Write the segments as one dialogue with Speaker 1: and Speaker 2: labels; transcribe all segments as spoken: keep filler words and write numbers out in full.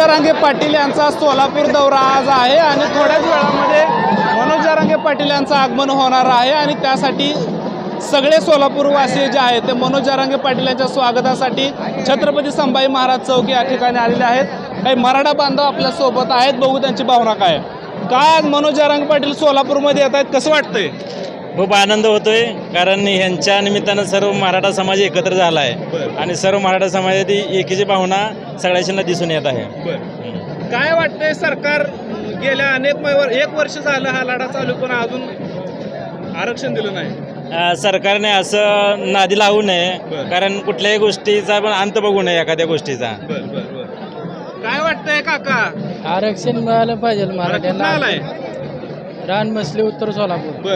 Speaker 1: जरांगे पाटील यांचा सोलापूर दौरा आज आहे आणि थोड्याच वेळामध्ये मनोज जरांगे पाटील यांचं आगमन होणार आहे आणि त्यासाठी सगळे सोलापूरवासी जे आहेत ते मनोज जरांगे पाटील यांच्या स्वागतासाठी छत्रपती संभाजी महाराज चौक या ठिकाणी आलेले आहेत। काही मराठा बांधव आपल्या सोबत आहेत, बघू त्यांची भावना काय काय आज मनोज जरांगे पाटील सोलापूरमध्ये येत आहेत, कसं वाटतंय?
Speaker 2: खूप आनंद होतोय, कारण यांच्या निमित्तानं सर्व मराठा समाज एकत्र झाला आहे आणि सर्व मराठा समाजातील एकीची भावना सगळ्यांना दिसून येत आहे।
Speaker 1: काय वाटतंय, सरकार गेल्या अनेक महिन्यावर एक वर्ष झालं हा लढा चालू पण अजून आरक्षण दिलं नाही।
Speaker 2: अ, सरकारने असं नादी लावू नये, कारण कुठल्याही गोष्टीचा पण अंत बघू नये एखाद्या गोष्टीचा।
Speaker 1: काय वाटतंय काका?
Speaker 3: आरक्षण मिळालं पाहिजे
Speaker 1: मराठ्यांना आलाय
Speaker 3: रान बसले उत्तर सोलापूर।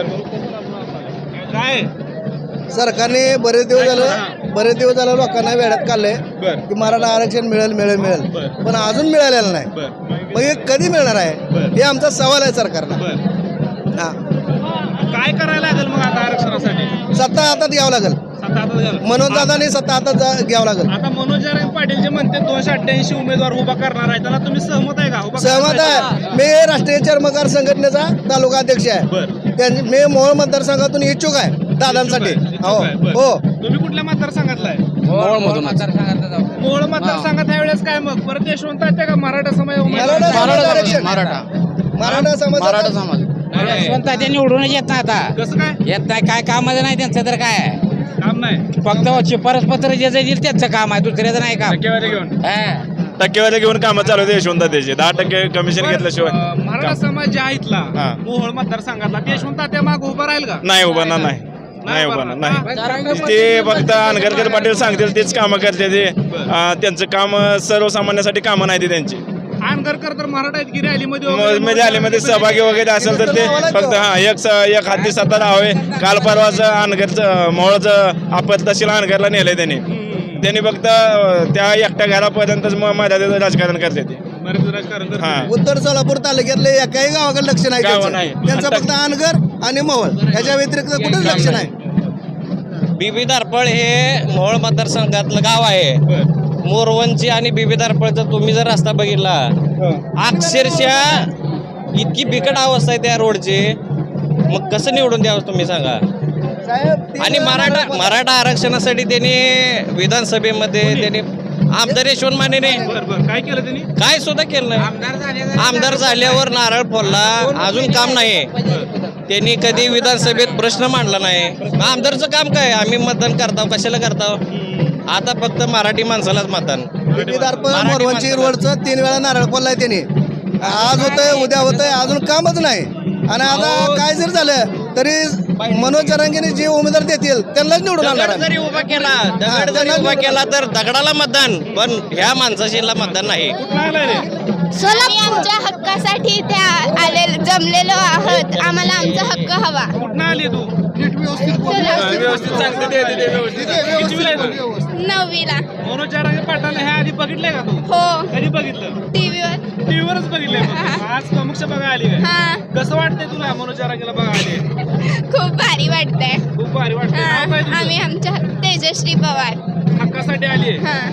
Speaker 1: काय
Speaker 4: सरकारने बरेच दिवस झालं बरेच दिवस झालं लोकांना वेळात काढलंय की मराठा आरक्षण मिळेल मिळेल मिळेल पण अजून मिळालेलं नाही। मग हे कधी मिळणार आहे हे आमचा सवाल आहे सरकारला। हा,
Speaker 1: काय करायला लागेल मग आता आरक्षणासाठी?
Speaker 4: सत्ता हातात घ्यावं लागेल,
Speaker 1: सत्ता हातात घ्यावं.
Speaker 4: मनोज दादाने सत्ता हातात घ्यावं लागेल।
Speaker 1: आता मनोज जरांगे पाटील जे म्हणते दोनशे अठ्ठ्याऐंशी उमेदवार उभा करणार आहे, त्याला तुम्ही सहमत आहे का? उभा
Speaker 4: सहमत आहे। मी राष्ट्रीय चर्मकार संघटनेचा तालुका अध्यक्ष आहे, त्यांनी मी मोहोळ मतदारसंघातून इच्छुक आहे दादांसाठी। हो हो,
Speaker 1: तुम्ही कुठल्या मतदारसंघातला आहे?
Speaker 3: मोहोळ मतदारसंघात
Speaker 1: मोहोळ मतदारसंघात ह्यावेळेस काय मग परत यशवंत आहेत का मराठा समाज?
Speaker 4: मराठा समाज आरक्षण,
Speaker 3: मराठा
Speaker 4: मराठा समाज
Speaker 3: मराठा समाज यशवंत ते निवडूनच येत नाही आता,
Speaker 1: कसं काय
Speaker 3: येत नाही, काय कामाचं नाही त्यांचं, तर काय
Speaker 1: काम नाही?
Speaker 3: फक्त शिफारस पत्र जे देईल त्यांचं काम आहे, दुसऱ्याचं नाही काम।
Speaker 1: टक्केवारी घेऊन
Speaker 3: हा.
Speaker 2: टक्केवारी घेऊन कामं चालू होते यशवंत त्याचे, दहा टक्के कमिशन घेतल्याशिवाय
Speaker 1: अं, मराठा समाज जे आहे इथला
Speaker 2: हा.
Speaker 1: मोहोळ मतदारसंघातला ते यशवंत त्या माग उभा राहील का?
Speaker 2: नाही उभारणार नाही नाही उभारणार नाही।
Speaker 3: जरांगे
Speaker 2: ते फक्त अनगरकर पाटील सांगतील तेच कामं करते ते। अ, त्यांचं काम सर्वसामान्यासाठी कामं नाही ते त्यांची।
Speaker 1: आनगरकर तर मराठा आहेत की रॅलीमध्ये
Speaker 2: म-
Speaker 1: वगैरे-
Speaker 2: मध्ये आलीमध्ये सहभागी वगैरे असेल तर ते फक्त हा एक स- एक हाती सत्ता हवे। काल परवाच अनगरचं मोहळचं आपत तहसील अनगरला नेलंय त्यांनी
Speaker 1: हम्म.
Speaker 2: त्यांनी फक्त अ, त्या एकट्या घरापर्यंतच मर्यादित राजकारण करते ते।
Speaker 1: बरेच राजकारण करतात.
Speaker 2: हा,
Speaker 4: उत्तर सोलापूर तालुक्यातले एकाही गावाकडे लक्ष नाही
Speaker 2: गाव
Speaker 4: त्यांचं.
Speaker 2: नाही.
Speaker 4: त्यांचं फक्त अनगर आणि मोहोळ ह्याच्या व्यतिरिक्त कुठेच लक्ष नाही।
Speaker 5: बीबी दारपळ हे मोहोळ मतदारसंघातलं गाव आहे। मोरवंची आणि बीबी दारपळचा तुम्ही जर रस्ता बघितला, अक्षरशः इतकी बिकट अवस्था आहे त्या रोडची, मग कसं निवडून द्यावं तुम्ही सांगा? आणि मराठा मराठा आरक्षणासाठी त्यांनी विधानसभेमध्ये त्यांनी आमदार यशवंत मानेने
Speaker 1: बरं बरं काय केलं त्यांनी?
Speaker 5: काय सुद्धा केलं नाही। आमदार झाल्यावर नारळ फोडला, अजून काम नाही। त्यांनी कधी विधानसभेत प्रश्न मांडला नाही। मग आमदारचं काम काय? आम्ही मतदान करताव, कशाला करताव? आता फक्त मराठी माणसालाच मतदान।
Speaker 4: दारपळ मोरवंची रोडचं तीन वेळा नारळ फोडलाय त्यांनी, आज होतंय उद्या होतंय, अजून कामच नाही। आणि आता काय जर झालं तरी मनोज जरांगेने जे उमेदवार देतील त्यांनाच निवडून आणणार
Speaker 5: दगड
Speaker 4: आहे।
Speaker 5: जरी उभा केला दगड जरी उभा केला तर दगडाला मतदान, पण ह्या माणसाशीला मतदान नाही।
Speaker 1: कुठला आलाय रे?
Speaker 6: सोलापूरच्या हक्कासाठी त्या आले जमलेलो आहोत, आम्हाला आमचा हक्क हवा।
Speaker 1: कुठनं आली तू?
Speaker 6: सोलापूर
Speaker 1: व्यवस्थित सांगते ते- ते- ते व्यवस्थित. कितवीला आहे तू?
Speaker 6: नववीला।
Speaker 1: मनोज जरांगे पाटील ह्या आधी बघितलंय का तू?
Speaker 6: हो,
Speaker 1: कधी बघितलं?
Speaker 6: टीव्हीवर।
Speaker 1: टीव्हीवरच बघितलंय मग. आज प्रमुख बघा आली काय?
Speaker 6: हा,
Speaker 1: कसं वाटतंय तुला मनोज जरांगेला बघा आली?
Speaker 6: खूप भारी वाटतंय।
Speaker 1: खूप भारी वाटतंय.
Speaker 6: हा,
Speaker 1: नाव काय तुझं?
Speaker 6: आम्ही आमच्या तेजश्री पवार।
Speaker 1: हक्कासाठी आली आहे.
Speaker 6: हा,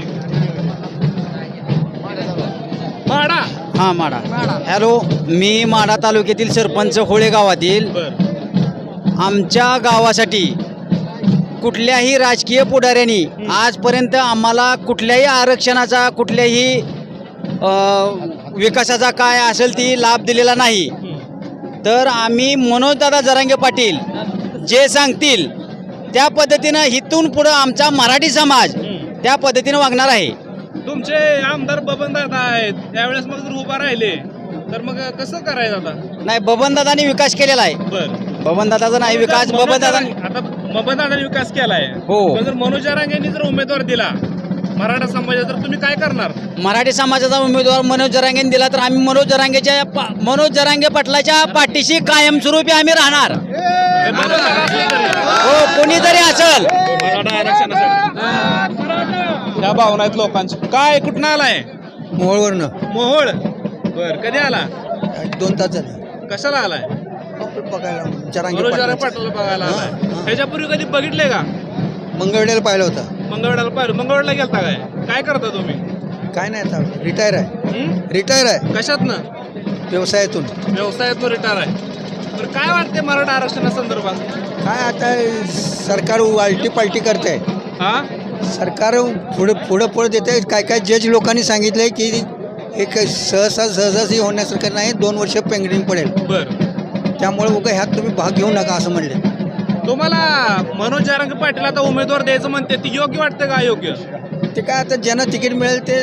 Speaker 1: माडा
Speaker 3: हा माडा। हॅलो, मी माडा तालुक्यातील सरपंच होळे गावातील। आमच्या गावासाठी कुठल्याही राजकीय पुढाऱ्यांनी आजपर्यंत आम्हाला कुठल्याही आरक्षणाचा कुठल्याही अ, विकासाचा काय असेल ती लाभ दिलेला नाही। तर आम्ही मनोजदादा जरांगे पाटील जे सांगतील त्या पद्धतीनं इथून पुढं आमचा मराठी समाज त्या पद्धतीनं वागणार आहे।
Speaker 1: तुमचे आमदार बबन दादा आहेत, त्यावेळेस मग जर उभा राहिले तर मग कसं करायचं आता?
Speaker 3: नाही, बबनदादांनी विकास केलेला आहे।
Speaker 1: बरं,
Speaker 3: बबनदादाचा नाही विकास, बबनदादांनी
Speaker 1: आता बबन दादाने विकास केलाय।
Speaker 3: हो.
Speaker 1: पण जर मनोज जरांगेंनी जर उमेदवार दिला मराठा समाजाचा तर तुम्ही काय करणार?
Speaker 3: मराठी समाजाचा उमेदवार मनोज जरांगेने दिला तर आम्ही मनोज जरांगेच्या पा- मनोज जरांगे पाटलाच्या पाठीशी कायमस्वरूपी आम्ही राहणार।
Speaker 1: हे बबन दादा असले तरी.
Speaker 3: हो, कोणीतरी असेल।
Speaker 1: मराठा आरक्षणासाठी त्या भावना आहेत लोकांची। काय कुठनं आलाय?
Speaker 4: मोहोळवरनं
Speaker 1: मोहोळ। बर, कधी आला?
Speaker 4: दोन तास झाले
Speaker 1: कशाला आलाय?
Speaker 4: बघायला
Speaker 1: मनोज जरांगे पाटील बघायला आलाय।
Speaker 4: हा.
Speaker 1: ह्याच्यापूर्वी कधी बघितले का?
Speaker 4: मंगळवेढ्याला पाहिलं होतं।
Speaker 1: मंगळवेढ्याला पाहिलं? मंगळवेढ्याला गेलता काय? काय करता तुम्ही?
Speaker 4: काय नाही आता रिटायर आहे
Speaker 1: हं?
Speaker 4: रिटायर आहे
Speaker 1: कशातनं
Speaker 4: व्यवसायातून.
Speaker 1: व्यवसायातून रिटायर आहे. तर काय वाटते मराठा आरक्षणासंदर्भात?
Speaker 4: काय आता सरकार वालटी पालटी करते.
Speaker 1: हा
Speaker 4: सरकार पुढं पुढं पुढं देते. काय काय जज लोकांनी सांगितलं आहे की एक सहसा सहजासहजी होण्यासारखं नाही, दोन वर्ष पेंडिंग पडेल.
Speaker 1: बर
Speaker 4: त्यामुळे उगा ह्यात तुम्ही भाग घेऊ नका असं म्हणले.
Speaker 1: तुम्हाला मनोज जरांगे पाटील आता उमेदवार द्यायचं म्हणते ती योग्य वाटते का अयोग्य?
Speaker 4: ते काय आता ज्यांना तिकीट मिळेल ते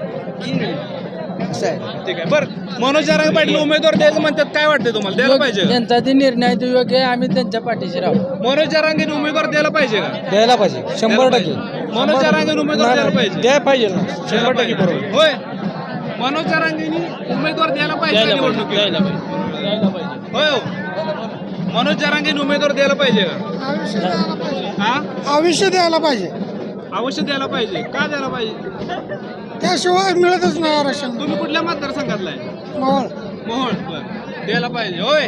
Speaker 4: असं आहे.
Speaker 1: ठीक आहे. बरं मनोज जरांगे पाटील उमेदवार द्यायचं म्हणतात, काय वाटते तुम्हाला? द्यायला पाहिजे का?
Speaker 7: त्यांचा ते निर्णय तो योग्य आहे, आम्ही त्यांच्या पाठीशी राहू.
Speaker 1: मनोज जरांगे उमेदवार द्यायला पाहिजे का?
Speaker 7: द्यायला पाहिजे शंभर टक्के.
Speaker 1: मनोज जरांगे उमेदवार द्यायला पाहिजे.
Speaker 7: द्यायला पाहिजे ना शंभर टक्के बरोबर.
Speaker 1: होय मनोज जरांगेनी उमेदवार द्यायला पाहिजे का निवडणुकीत?
Speaker 7: द्यायला पाहिजे द्यायला पाहिजे.
Speaker 1: होय हो. मनोज जरांगेनी उमेदवार द्यायला पाहिजे का? हा
Speaker 8: आयुष्य द्यायला पाहिजे.
Speaker 1: अवश्य द्यायला पाहिजे. का द्यायला पाहिजे?
Speaker 8: त्याशिवाय मिळतच नाही आरक्षण.
Speaker 1: तुम्ही कुठल्या मतदारसंघातला आहे?
Speaker 8: मोहोळ.
Speaker 1: मोहोळ. बरं. द्यायला पाहिजे. होय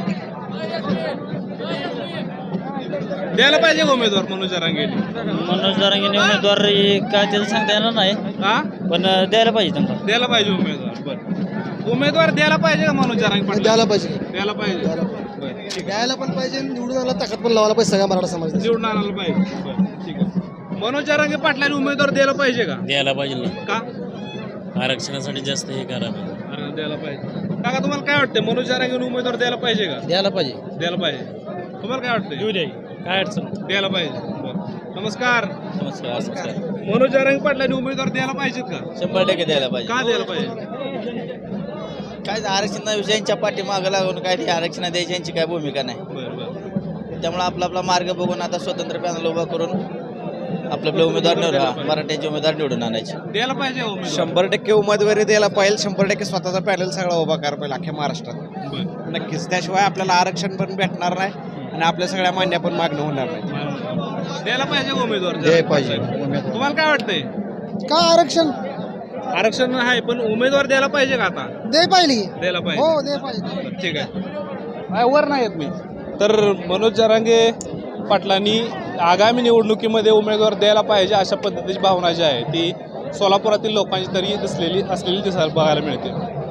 Speaker 1: द्यायला पाहिजे का उमेदवार मनोज जरांगेनी?
Speaker 7: मनोज जरांगेने उमेदवार काय त्याचं सांगता येणार नाही,
Speaker 1: हा
Speaker 7: पण द्यायला पाहिजे त्यांना.
Speaker 1: द्यायला पाहिजे उमेदवार. बरं उमेदवार द्यायला पाहिजे का मनोज जरांगे पाटील?
Speaker 4: द्यायला पाहिजे.
Speaker 1: द्यायला पाहिजे. बरं. ठीक आहे.
Speaker 4: द्यायला पण पाहिजे, निवडून आला ताकद पण लावायला पाहिजे सगळ्या मराठा समाजाला.
Speaker 1: निवडून आणायला पाहिजे. बरं. ठीक आहे. मनोज जरांगे पाटलांनी उमेदवार द्यायला पाहिजे का?
Speaker 2: द्यायला पाहिजे ना,
Speaker 1: का?
Speaker 2: आरक्षणासाठी जास्त हे करावं.
Speaker 1: अरे द्यायला पाहिजे. काका तुम्हाला काय वाटतं मनोज जरांगे उमेदवार द्यायला पाहिजे का?
Speaker 7: द्यायला पाहिजे.
Speaker 1: द्यायला पाहिजे. तुम्हाला काय वाटतं?
Speaker 2: येऊ द्या, काय अडचण.
Speaker 1: द्यायला पाहिजे. बरं. नमस्कार.
Speaker 2: नमस्कार नमस्कार.
Speaker 1: मनोज जरांगे पाटलांनी उमेदवार द्यायला पाहिजेत का?
Speaker 7: शंभर टक्के द्यायला पाहिजे.
Speaker 1: का द्यायला पाहिजे?
Speaker 7: काय आरक्षणाविषयीच्या पाठीमागं लागून काय ते आरक्षण द्यायची यांची काय भूमिका नाही.
Speaker 1: बरं बरं.
Speaker 7: त्यामुळे आपला आपला मार्ग बघून आता स्वतंत्र पॅनल उभा करून आपले आपले उमेदवार निवडून मराठ्याचे उमेदवार निवडून आणायचे.
Speaker 1: द्यायला पाहिजे का उमेदवार?
Speaker 5: शंभर टक्के उमेदवारी द्यायला पाहिजे. शंभर टक्के स्वतःचा पॅनल सगळा उभा करायला पाहिजे अख्ख्या महाराष्ट्रात.
Speaker 1: बरं.
Speaker 5: नक्कीच. त्याशिवाय आपल्याला आरक्षण पण भेटणार नाही आणि आपल्या सगळ्या मान्य पण मागणं होणार नाही.
Speaker 1: द्यायला पाहिजे का उमेदवार?
Speaker 4: द्यायला पाहिजे.
Speaker 1: तुम्हाला काय वाटतंय?
Speaker 8: का आरक्षण
Speaker 1: आरक्षण आहे पण उमेदवार द्यायला पाहिजे का आता?
Speaker 8: दे पाहिजे.
Speaker 1: द्यायला पाहिजे.
Speaker 8: हो दे पाहिजे.
Speaker 1: ठीक आहे. काय वर नाही येत मी. तर मनोज जरांगे पाटलांनी आगामी निवडणुकीमध्ये उमेदवार द्यायला पाहिजे अशा पद्धतीची भावना जी आहे ती सोलापुरातील लोकांची तरी दिसलेली असलेली दिसायला बघायला मिळते.